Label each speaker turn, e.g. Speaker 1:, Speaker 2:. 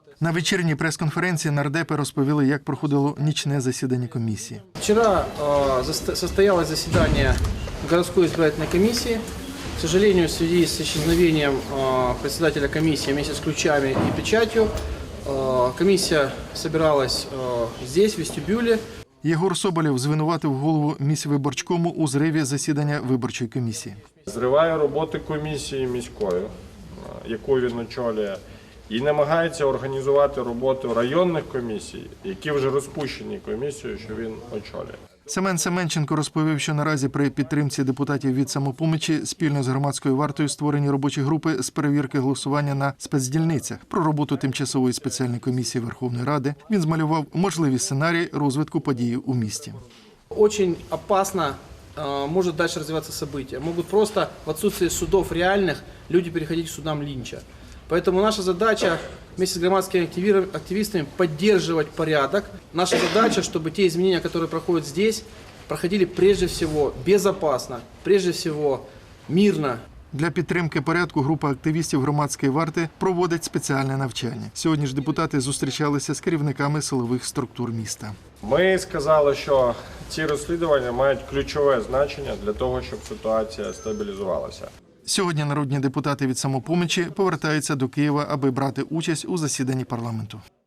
Speaker 1: На вечірній прес-конференції нардепи розповіли, як проходило нічне засідання комісії.
Speaker 2: Вчера состоялось заседание городской избирательной комиссии. К сожалению, в связи с исчезновением председателя комиссии вместе с ключами и печатью, комиссия собиралась здесь, в вестибюле.
Speaker 1: Єгор Соболєв звинуватив голову міськвиборчкому у зриві засідання виборчої комісії.
Speaker 3: Зриває роботи комісії міської, яку він очолює, і намагається організувати роботу районних комісій, які вже розпущені комісією, що він очолює.
Speaker 1: Семен Семенченко розповів, що наразі при підтримці депутатів від «Самопомочі» спільно з громадською вартою створені робочі групи з перевірки голосування на спецдільницях. Про роботу тимчасової спеціальної комісії Верховної Ради він змалював можливі сценарії розвитку подій у місті.
Speaker 2: Очень опасно может дальше развиваться события. Могут просто в отсутствии судов реальных люди переходить к судам Линча. Поэтому наша задача вместе с громадскими активистами поддерживать порядок. Наша задача, чтобы те изменения, которые проходят здесь, проходили прежде всего безопасно, прежде всего мирно.
Speaker 1: Для підтримки порядку група активістів громадської варти проводить спеціальне навчання. Сьогодні ж депутати зустрічалися з керівниками силових структур міста.
Speaker 3: Ми сказали, що ці розслідування мають ключове значення для того, щоб ситуація стабілізувалася.
Speaker 1: Сьогодні народні депутати від «Самопомочі» повертаються до Києва, аби брати участь у засіданні парламенту.